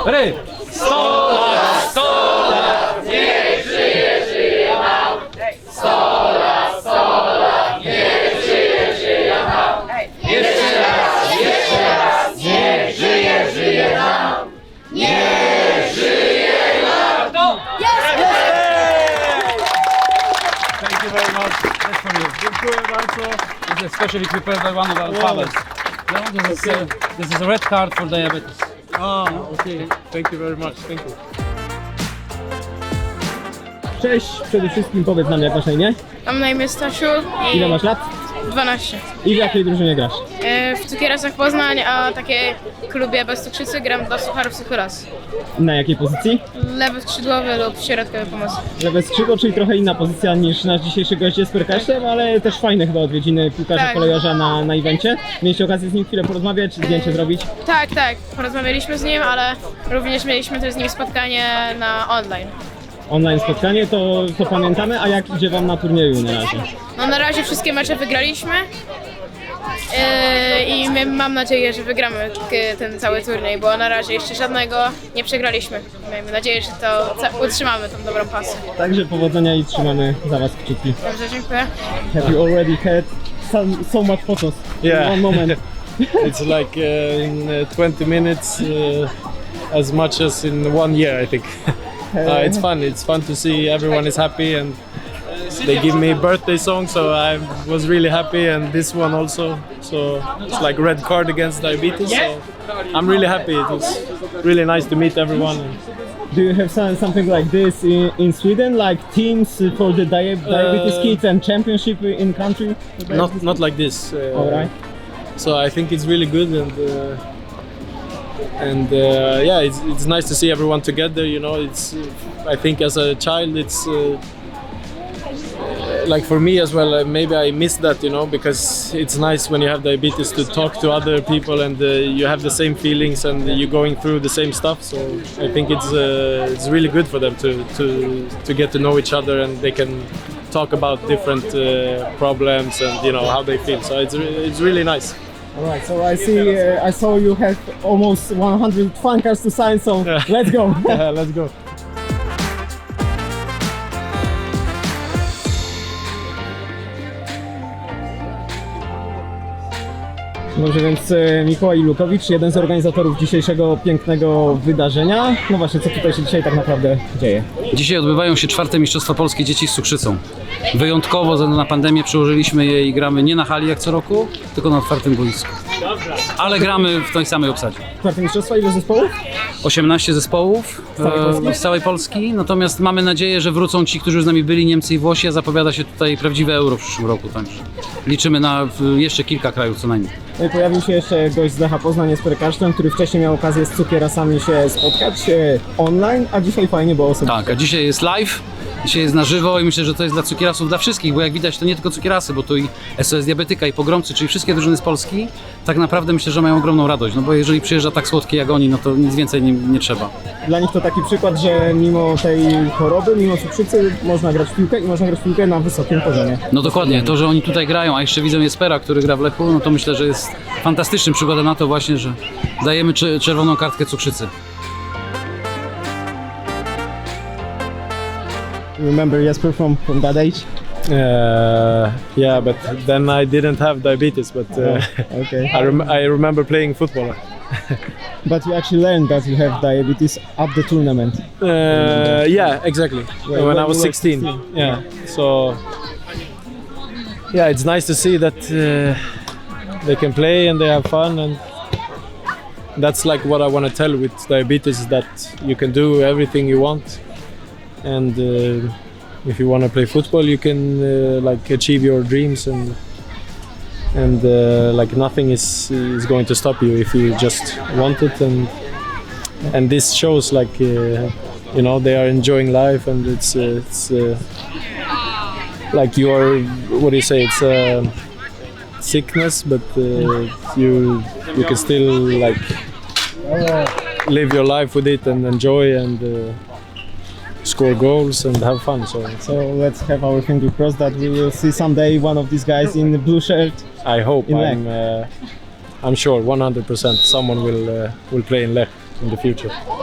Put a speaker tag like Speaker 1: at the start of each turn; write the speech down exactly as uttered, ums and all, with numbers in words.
Speaker 1: Ready? sto lat, sto lat, niech żyje, żyje nam. sto lat, sto lat, niech żyje, żyje nam. Jeszcze raz, jeszcze raz, niech żyje, żyje nam. Niech żyje nam. No.
Speaker 2: Thank you very much.
Speaker 1: That's for you.
Speaker 2: Dziękuję bardzo.
Speaker 1: This is especially prepared by one of our fathers. No, this, is, uh, this is a red card for diabetes.
Speaker 2: Ah, okay. Thank you very much. Thank you.
Speaker 3: Cześć, przede wszystkim powiedz nam, jak masz na imię?
Speaker 4: Mam na imię Stasiu i
Speaker 3: Ile masz lat?
Speaker 4: dwanaście.
Speaker 3: I w jakiej drużynie grasz?
Speaker 4: E, W Cukierasach Poznań, a takie klubie bez cukrzycy gram dla Sucharów Suchuras.
Speaker 3: Na jakiej pozycji?
Speaker 4: Lewy skrzydłowy lub środkowy pomocy.
Speaker 3: Lewe skrzydło, czyli trochę inna pozycja niż nasz dzisiejszy gość z Perkaszem, ale też fajne chyba odwiedziny piłkarza
Speaker 4: Tak.
Speaker 3: kolejarza na, na evencie. Mieliście okazję z nim chwilę porozmawiać, zdjęcie zrobić?
Speaker 4: Tak, tak, porozmawialiśmy z nim, ale również mieliśmy też z nim spotkanie na online.
Speaker 3: Online spotkanie, to, to pamiętamy, a jak idzie wam na turnieju na razie?
Speaker 4: No na razie wszystkie mecze wygraliśmy e, i my, mam nadzieję, że wygramy k- ten cały turniej, bo na razie jeszcze żadnego nie przegraliśmy. Miejmy nadzieję, że to ca- utrzymamy tą dobrą pasę.
Speaker 3: Także powodzenia i trzymamy za was kciuki.
Speaker 4: Dobrze, dziękuję.
Speaker 3: Have you already had some, so much photos
Speaker 2: Yeah.
Speaker 3: in one moment?
Speaker 2: It's like uh, in uh, twenty minutes uh, as much as in one year, I think. Uh, it's fun. It's fun to see everyone is happy, and they give me a birthday song, so I was really happy, and this one also. So it's like red card against diabetes. So I'm really happy. It was really nice to meet everyone.
Speaker 3: Do you have some, something like this in, in Sweden, like teams for the dia diabetes
Speaker 2: Uh,
Speaker 3: kids and championship in country?
Speaker 2: Not not like this. Uh,
Speaker 3: All right.
Speaker 2: So I think it's really good, and uh, and uh, yeah, it's, it's nice to see everyone together. You know, it's I think as a child, it's uh, like for me as well. Uh, maybe I missed that, you know, because it's nice when you have diabetes to talk to other people, and uh, you have the same feelings, and you're going through the same stuff. So I think it's uh, it's really good for them to to to get to know each other, and they can talk about different uh, problems and you know how they feel. So it's re- it's really nice.
Speaker 3: All right. So I see. Uh, I saw you have almost one hundred fan cards to sign. So let's go.
Speaker 2: Yeah, let's go.
Speaker 3: Dobrze, więc e, Mikołaj Lukowicz, jeden z organizatorów dzisiejszego pięknego wydarzenia. No właśnie, co tutaj się dzisiaj tak naprawdę dzieje?
Speaker 1: Dzisiaj odbywają się czwarte Mistrzostwa Polskie Dzieci z cukrzycą. Wyjątkowo ze względu na pandemię przełożyliśmy je i gramy nie na hali jak co roku, tylko na otwartym boisku. Ale gramy w tej samej obsadzie.
Speaker 3: Czwarte mistrzostwa, ile zespołów?
Speaker 1: osiemnaście zespołów e, z całej Polski, natomiast mamy nadzieję, że wrócą ci, którzy już z nami byli, Niemcy i Włosi, a zapowiada się tutaj prawdziwe euro w przyszłym roku, także liczymy na w, jeszcze kilka krajów co najmniej.
Speaker 3: No i pojawił się jeszcze gość z Lecha Poznań, z Perkaszem, który wcześniej miał okazję z Cukierasami się spotkać e, online, a dzisiaj fajnie było osobiście.
Speaker 1: Tak, a dzisiaj jest live, dzisiaj jest na żywo i myślę, że to jest dla cukierasów, dla wszystkich, bo jak widać to nie tylko cukierasy, bo tu i S O S Diabetyka i Pogromcy, czyli wszystkie drużyny z Polski, tak naprawdę myślę, że mają ogromną radość, no bo jeżeli przyjeżdża tak słodki jak oni, no to nic więcej nie, nie trzeba.
Speaker 3: Dla nich to taki przykład, że mimo tej choroby, mimo cukrzycy można grać w piłkę i można grać w piłkę na wysokim poziomie.
Speaker 1: No dokładnie, to, że oni tutaj grają, a jeszcze widzę Jespera, który gra w Lechu, no to myślę, że jest fantastycznym przykładem na to właśnie, że dajemy cze- czerwoną kartkę cukrzycy.
Speaker 3: Remember Jesper from, from that age?
Speaker 2: Uh, yeah, but then I didn't have diabetes, but uh,
Speaker 3: Okay.
Speaker 2: I, rem- I remember playing football.
Speaker 3: But you actually learned that you have diabetes at the tournament.
Speaker 2: Uh, yeah, exactly.
Speaker 3: When
Speaker 2: when I
Speaker 3: you
Speaker 2: was
Speaker 3: were
Speaker 2: sixteen.
Speaker 3: sixteen.
Speaker 2: Yeah. So yeah, it's nice to see that uh, they can play and they have fun, and that's like what I want to tell with diabetes, is that you can do everything you want, and uh, if you want to play football, you can uh, like achieve your dreams, and and uh, like nothing is is going to stop you if you just want it, and and this shows like uh, you know, they are enjoying life, and it's uh, it's uh, like you are, what do you say, it's a sickness, but uh, you you can still like live your life with it and enjoy, and uh, score goals and have fun. So
Speaker 3: So let's have our fingers crossed that we will see someday one of these guys in the blue shirt.
Speaker 2: I hope,
Speaker 3: In
Speaker 2: I'm uh, I'm sure one hundred percent someone will uh, will play in Lech in the future.